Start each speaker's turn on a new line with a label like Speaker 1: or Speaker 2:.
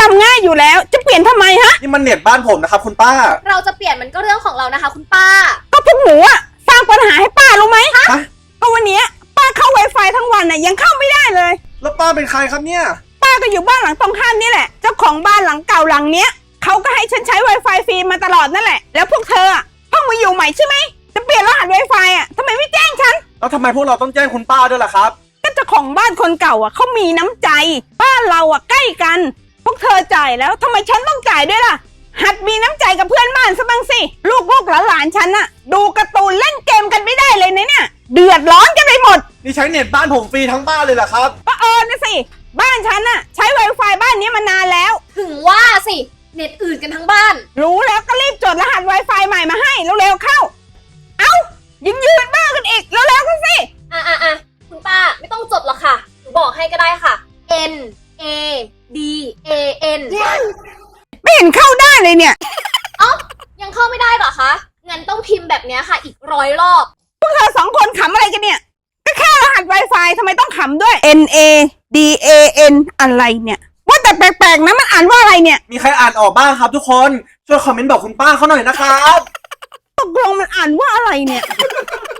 Speaker 1: ำง่ายอยู่แล้วจะเปลี่ยนทำไมฮะ
Speaker 2: นี่มันเน็ตบ้านผมนะครับคุณป้า
Speaker 3: เราจะเปลี่ยนมันก็เรื่องของเรานะคะคุณป้า
Speaker 1: ก็พวกหนูอะสร้างปัญหาให้ป้ารู้ไหม
Speaker 2: ฮะ
Speaker 1: ก็วันนี้ป้าเข้า Wi-Fi ทั้งวันน่ะยังเข้าไม่ได้เลย
Speaker 2: แล้วป้าเป็นใครครับเนี่ย
Speaker 1: ป้าก็อยู่บ้านหลังตรงข้ามนี่แหละเจ้าของบ้านหลังเก่าหลังเนี้ยเขาก็ให้ฉันใช้ Wi-Fi ฟรีมาตลอดนั่นแหละแล้วพวกเธออะเพิ่งมาอยู่ใหม่ใช่ไหมจะเปลี่ยนรหัส Wi-Fi อะทำไมไม่แจ้งฉัน
Speaker 2: แล้วทำไมพวกเราต้องแจ้งคุณป้าด้วยล่ะครับ
Speaker 1: ก็เจ้าของบ้านคนเก่าอะเขามีน้ำใจบ้านเราอะใกล้กันพวกเธอจ่ายแล้วทำไมฉันต้องจ่ายด้วยล่ะหัดมีน้ำใจกับเพื่อนบ้านซะบ้างสิลูกหลานฉันอะดูการ์ตูนเล่นเกมกันไม่ได้เลยนะเนี่ยเดือดร้อนกันไปหมด
Speaker 2: นี่ใช้เน็ตบ้านผมฟรีทั้งบ้านเลยเหรอครับ
Speaker 1: ก็นะสิบ้านฉันอะใช้ Wi-Fi บ้านนี้มานานแล้ว
Speaker 3: ถึงว่าสิเน็ตอื่นกันทั้งบ้าน
Speaker 1: รู้แล้วก็รีบจดรหัส Wi-Fi ใหม่มาให้เร็วๆเข้าเอ้ายังยืนบ้ากันอีกเร็วๆกันสิ
Speaker 3: คุณป้าไม่ต้องจดหรอกค่ะหนูบอกให้ก็ได้ค่ะ N A D A N
Speaker 1: ไม่เห็นเข้าได้เลยเนี่ย
Speaker 3: ยังเข้าไม่ได้เหรอคะงั้นต้องพิมพ์แบบนี้ค่ะอีก100 รอบ
Speaker 1: พวกเธอ2 คนขำอะไรกันเนี่ยก็แค่รหัส Wi-Fi ทำไมต้องขำด้วย N A D A N อะไรเนี่ยว่าแต่แปลกๆนะมันอ่านว่าอะไรเนี่ย
Speaker 2: มีใครอ่านออกบ้างครับทุกคนช่วยคอมเมนต์บอกคุณป้าเขาหน่อยนะครับ
Speaker 1: ตกลงมันอ่านว่าอะไรเนี่ย